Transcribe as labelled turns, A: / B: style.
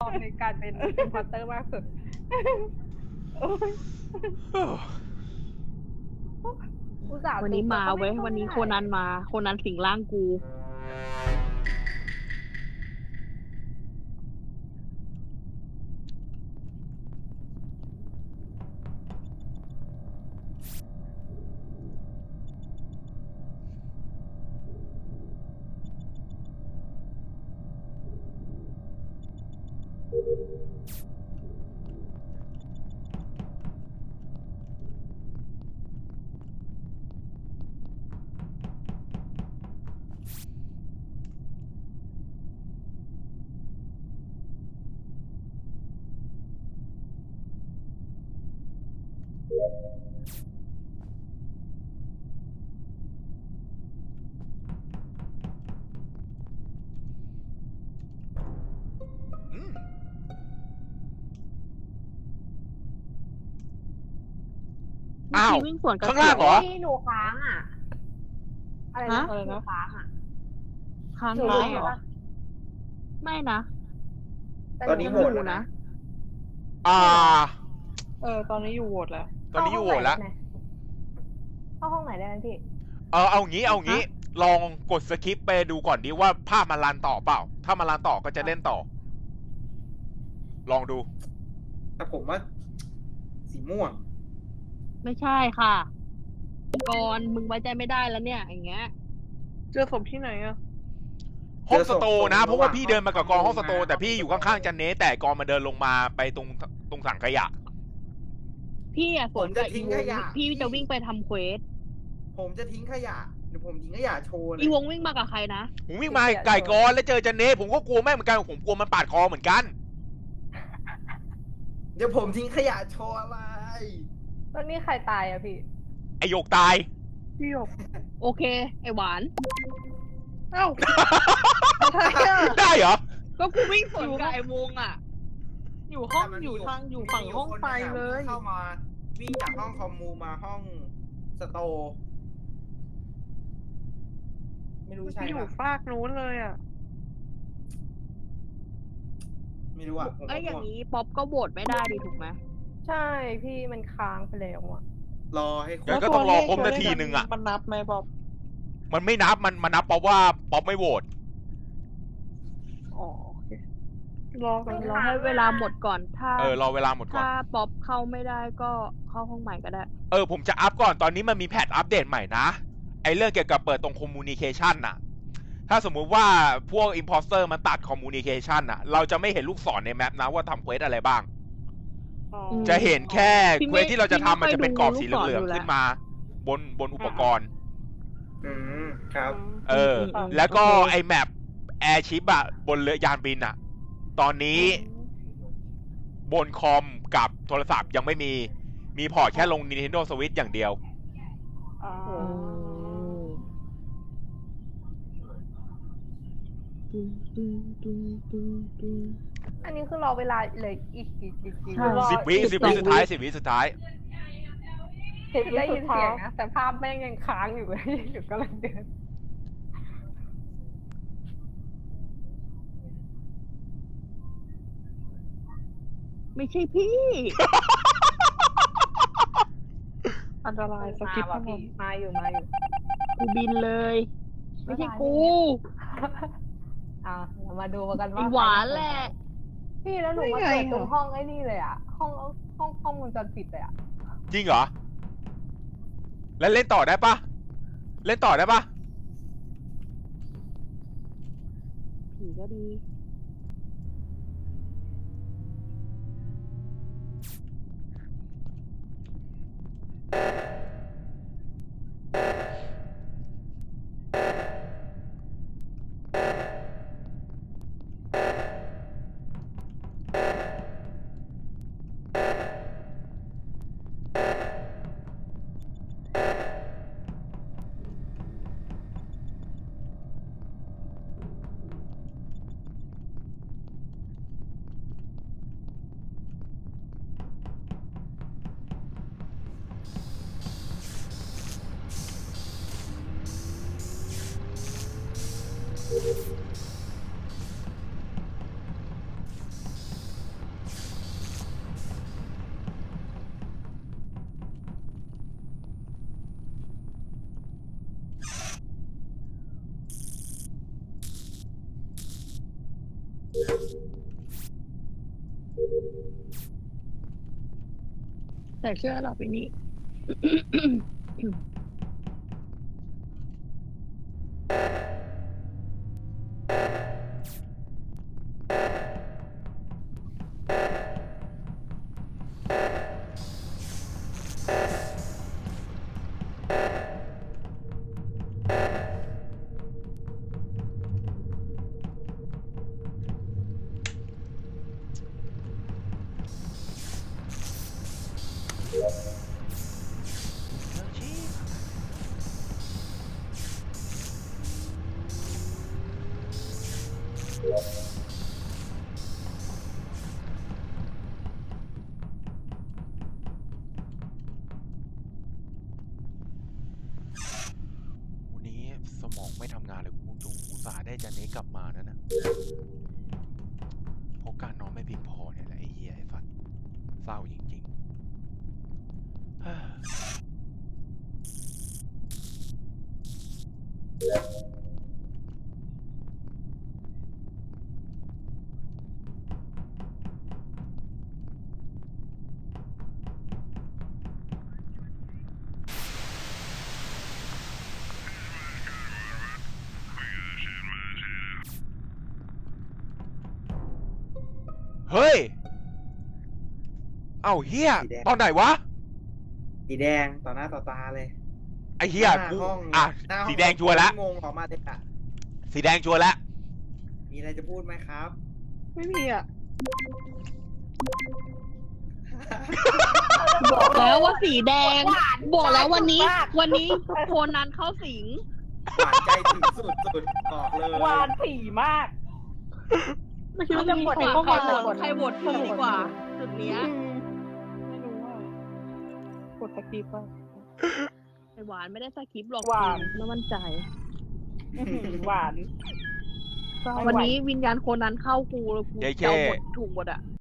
A: อบในการเป็นอินพอร์เตอร์มากสุดอุตส่าห์
B: วันนี้มาเว้ยวันนี้โคนันมาโคนันสิงร่างกู
C: อ้าว
B: วิ่งสวนกับ
C: ข้างล่างเหรอ
A: ที่หนูค้างอ่ะอะไรนะหนูค้างอ่ะ
B: ค้าง
A: หนู
B: ไว้
A: รู้
B: เหรอ
A: ปะ
B: ไม่นะ
D: ตอนนี้โหวตแล้วนะ
C: อ่า
E: ตอนนี้อยู่โหวตแล้ว
C: ตอนนี้อยู่โหวตแล้ว
A: เข้าห้องไหนได้ไหมพี่
C: เอางี้ ลองกดสคิปไปดูก่อนดิว่าภาพมันรันต่อเปล่า ถ้ามันรันต่อก็จะเล่นต่อ ลองดู
D: แต่ผมว่า สีม่วง
B: ไม่ใช่ค่ะก่อนมึงไว้ใจไม่ได้แล้วเนี่ยอย่างเงี้ย
E: เจอศพที่ไหนอะ
C: ห้องสโตร์นะ
D: เจอศพ
C: เพราะว่าพี่เดินมากับกองห้องสโตร์
D: ระหว่าง
C: แต่พี่อยู่ข้างๆจันเนสแต่กองมาเดินลงมาไปตรงถังขยะ
B: พี่อะสวนกับ
D: ผมจะทิ้
B: อี
D: ง
B: ว
D: ข
B: ง
D: ยะ
B: พี่จะวิ่งไปทำเควส
D: ผมจะทิ้งขยะ เดี๋ยวผมทิ้งขยะโชว์เลย
B: อีวงวิ่งมากับใครนะ
C: ผมวิ่งมาไก่กอนแล้วเจอจันเนสผมก็กลัวแม่งเหมือนกันผมกลัวมันปาดคอเหมือนกัน
D: เดี๋ยวผมทิ้งขยะโชว์อะไร
A: ตอนนี้ใครตายอะพี่
C: ไอโยกตาย
E: พี่หยก
B: โอเค ไอหวาน
E: เอ้า
C: ได้เหรอ
B: ก็กูวิ่งสวนกับไอวงอะ
E: อยู่ห้องอยู่ฝั่งห้องไฟเลย
D: เข้ามาวิ่งจากห้องคอมมูมาห้องสโตร์ไม่รู้ใช่
E: อยู่
D: ปะ
E: ฟากนู้นเลยอะ
D: ไม่รู้อ่ะผม
B: เอ้ยอย่าง
D: นี้
B: นี้ป๊อปก็โหวตไม่ได้ดิถูกไหม
A: ใช่พี่มันค้างไปแล้วอะ
D: รอให้คร
C: งั้
D: บ
C: นก็ต้องรอครบนาทีนึงอะ
E: มันนับไหมบ๊อบ
C: มันไม่นับมันนับเพราะว่าป๊อปไม่โหวต
E: อ๋อโอเครอกัน
B: รอให้เวลาหมดก่อนถ้าร
C: อเวลาหมดก่อน
B: ถ้าป๊อปเข้าไม่ได้ก็เข้าห้องใหม่ก็ได้
C: ผมจะอัพก่อนตอนนี้มันมีแพทอัปเดตใหม่นะ ไอเรื่องเกี่ยวกับเปิดตรงคอมมูนิเคชันน่ะ ถ้าสมมุติว่าพวกอิมพอสเตอร์มันตัดคอมมูนิเคชันน่ะ เราจะไม่เห็นลูกศรในแมปนะว่าทำเควสอะไรบ้าง
E: อ๋อ
C: จะเห็นแค่
B: พี่
C: เคว
B: ไม่
C: สที่เราจะทำมันจะเป็นกรอบสีเห
B: พี่ไม่ค่อยดู
C: ลือง
B: ลูกศรอยู่แล้ว
C: ๆขึ้นมา บนอุปกรณ์
D: ครับ
C: แล้วก็ไอแมปแอร์ชิปอะบนเรือยานบินอะตอนนี้บนคอมกับโทรศัพท์ยังไม่มีพอร์ตแค่ลง Nintendo Switch อย่างเดียว
E: อ๋อ
A: อันนี้คือรอเวลาเลยอีก
B: ใช่
A: รอ
C: 10 วิสุดท้าย10 วิสุดท้าย
A: ได้ยินเสียงนะแต่ภาพแม่งยังค้างอยู่เลยอยู่กำลังเดิน
B: ไม่ใช่พี่
E: อันตรายสกิป
A: มา
E: ทั้งหม
A: พี่
E: ด
A: มาอยู่
B: กูบินเลย ไม่ใช่กู
A: เรามาดูกัน
B: ไอ
A: ว่า
B: หวานแหละ
A: พี่แล้วหนูมาเปิดตรงห้องไอ้นี่เลยอ่ะห้องวงจรปิดเลยอ่ะ
C: จริงเหรอ แล้วเล่นต่อได้ปะเล่นต่อได้ปะ
B: ผีก็ดีแต่เชื่อเราไปนี่
C: วันนี้สมองไม่ทำงานเลยคุณจงอุตส่าห์ได้จันนี้กลับมานะนะเพราะการนอนไม่เพียงพอเนี่ยแหละไอ้เหี้ยไอ้สัตว์เศร้าจริงๆ เฮ้ย เอ้าเฮีย
D: สีแดง
C: ตอนไหนวะ
D: สีแดงต่อหน้าต่อตาเลย
C: ไอ้เฮีย
D: หน้า
C: กู
D: ห้อง
C: อ่ะ
D: หน้าห้อง
C: สีแดงชัวร์แล้ว
D: งงออกมาเลยอะ
C: สีแดงชัวร์แล้ว
D: มีอะไรจะพูดไหมครับ
E: ไม่มีอ่ะ
B: บอกแล้วว่าสีแดง บอกแล้ววันนี้โคนันเข้าสิง
D: หวานใจถึงสุดบอกเลย
A: หวานผีมาก
E: ไม่คิดว่าจะหมด
B: ใคร
E: ก็
B: โห
E: มาว
B: ตใครโหวตผีดีกว่า จุดเนี้ย
E: ไม่รู้ว่ากดสกิปป่ะ
B: ไอหวานไม่ได้สคริปต์หรอก
A: หวาน
B: ไม่มั่นใจ
A: หวาน
B: วันนี้วิญญาณโคนันเข้ากูแล้วกู
C: เย้
B: จะเอาหมดถูกหมดอ่ะ